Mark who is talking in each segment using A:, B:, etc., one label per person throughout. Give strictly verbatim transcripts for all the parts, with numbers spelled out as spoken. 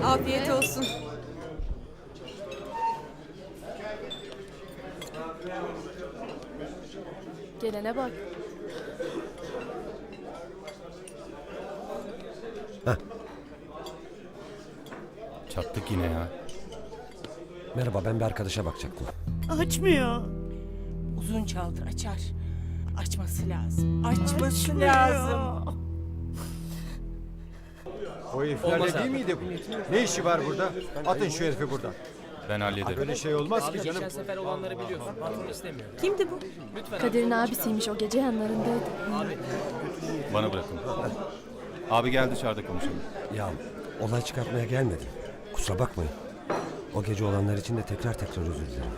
A: Afiyet olsun.
B: Gelene bak.
C: Çattık yine ya.
D: Merhaba, ben bir arkadaşa bakacaktım.
E: Açmıyor.
A: Uzun çaldır açar. Açması lazım. Açması
E: Açmıyor.
A: lazım.
F: O heriflerde değil miydi bu? Ne işi var burada? Atın şu herifi buradan.
C: Ben hallederim.
F: Böyle şey olmaz ki canım.
G: sefer olanları biliyorsun. Patron istemiyor.
A: Kimdi bu?
B: Kadir'in abisiymiş, o gece yanlarındaydı.
C: Bana bırakın. Abi gel dışarıda konuşalım.
D: Ya, olay çıkartmaya gelmedim. Kusura bakmayın. O gece olanlar için de tekrar tekrar özür dilerim.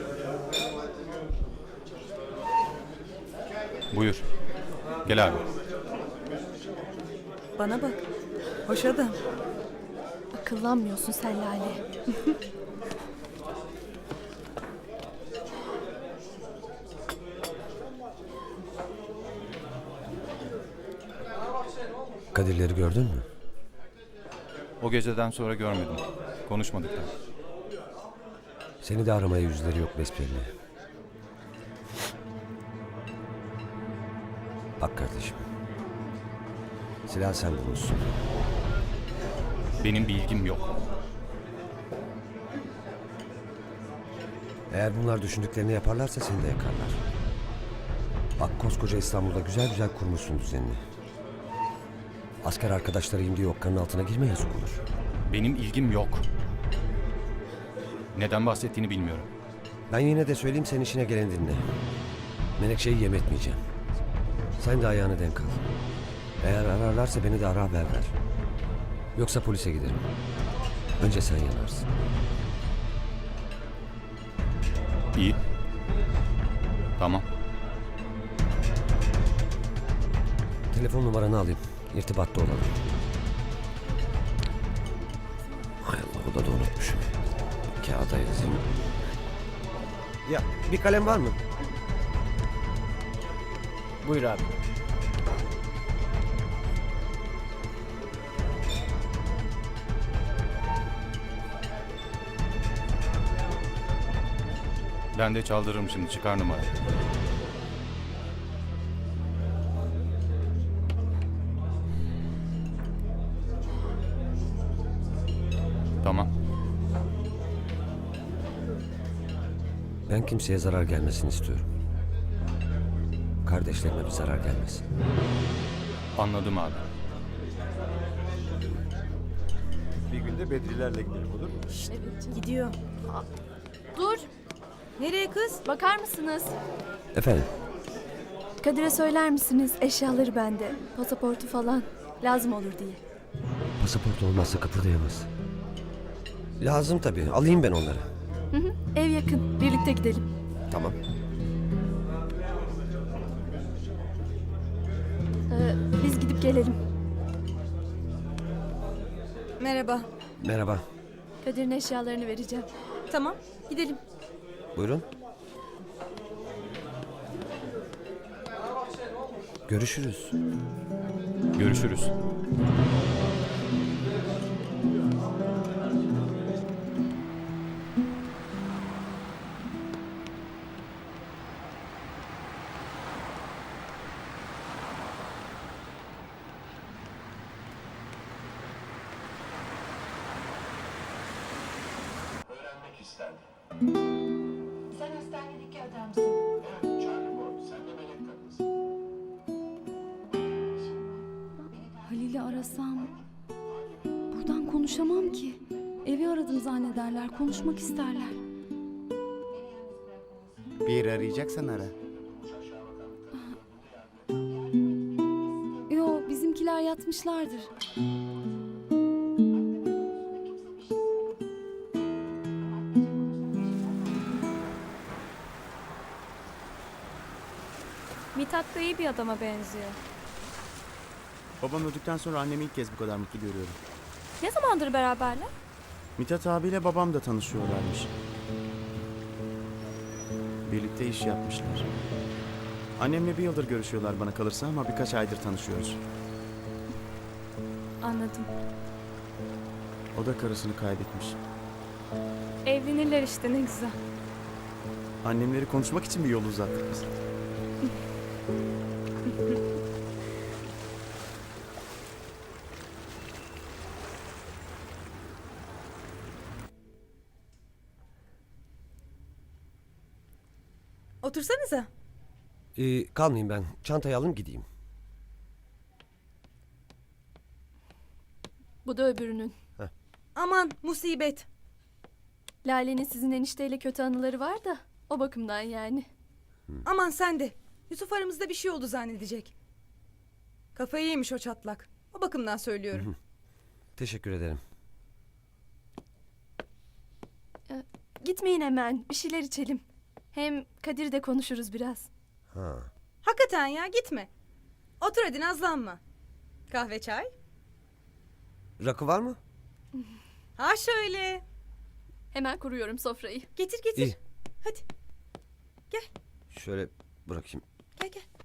C: Buyur. Gel abi.
A: Bana bak. Hoş adam.
B: Akıllanmıyorsun sen Lale.
D: Kadirleri gördün mü?
C: O geceden sonra görmedim. Konuşmadık da.
D: Seni de aramaya yüzleri yok besbelli. Bak kardeşim. Silah sen bulmuşsun.
C: Benim bir ilgim yok.
D: Eğer bunlar düşündüklerini yaparlarsa seni de yakarlar. Bak, koskoca İstanbul'da güzel güzel kurmuşsun düzenini. Asker arkadaşlarıyım diye okkanın altına girme, yazık olur.
C: Benim ilgim yok. Neden bahsettiğini bilmiyorum.
D: Ben yine de söyleyeyim, sen işine gelen dinle. Menekşe'yi yem etmeyeceğim. Sen de ayağını denk al. Eğer ararlarsa beni de ara, haber ver. Yoksa polise giderim. Önce sen yanarsın.
C: İyi. Tamam.
D: Telefon numaranı alayım. İrtibatta olalım. Hay Allah, o da unutmuşum. Kağıda yazayım. Ya, bir kalem var mı?
G: Buyur abi.
C: Ben de çaldırırım şimdi. Çıkar numarayı. Tamam.
D: Ben kimseye zarar gelmesini istiyorum. Kardeşlerime bir zarar gelmesin.
C: Anladım abi.
F: Bir günde Bedrilerle gidelim, olur mu?
A: Gidiyor.
B: Dur,
A: Nereye kız?
B: bakar mısınız?
D: Efendim?
B: Kadir'e söyler misiniz, eşyaları bende, pasaportu falan lazım olur diye.
D: Pasaport olmazsa kıpırdayamaz. Lazım tabii. Alayım ben onları.
B: Hı hı, ev yakın, birlikte gidelim.
D: Tamam.
B: Ee, biz gidip gelelim.
A: Merhaba.
D: Merhaba.
B: Kadir'in eşyalarını vereceğim.
A: Tamam, gidelim.
D: Buyurun. Görüşürüz.
C: Görüşürüz.
H: Öğrenmek isterdim.
I: Sen hastanedeki adamsın.
H: Evet, Charlie Boy, sen de melek kadınsın.
J: Halil'i arasam buradan konuşamam ki. Evi aradım zannederler, konuşmak isterler.
K: Bir yeri arayacaksan ara.
J: Yo, bizimkiler yatmışlardır.
B: Mithat da iyi bir adama benziyor.
K: Babam öldükten sonra annemi ilk kez bu kadar mutlu görüyorum.
B: Ne zamandır beraberler?
K: Mithat abiyle babam da tanışıyorlarmış. Birlikte iş yapmışlar. Annemle bir yıldır görüşüyorlar bana kalırsa ama birkaç aydır tanışıyoruz.
B: Anladım.
K: O da karısını kaybetmiş.
B: Evlenirler işte, ne güzel.
K: Annemleri konuşmak için bir yol uzattık biz.
A: Otursanıza.
D: Ee, kalmayayım ben. Çantayı alın gideyim.
B: Bu da öbürünün.
A: Aman musibet.
B: Lale'nin sizin enişteyle kötü anıları var da o bakımdan yani.
A: Aman sen de. Yusuf aramızda bir şey oldu zannedecek. Kafayı yemiş o çatlak. O bakımdan söylüyorum.
D: Teşekkür ederim.
B: Gitmeyin hemen, bir şeyler içelim. Hem Kadir de konuşuruz biraz.
D: Ha.
A: Hakikaten ya, gitme. Otur hadi, nazlanma. Kahve çay.
D: Rakı var mı?
A: Ha şöyle.
B: Hemen kuruyorum sofrayı.
A: Getir getir.
D: İyi.
A: Hadi
D: Şöyle bırakayım.
A: gel gel.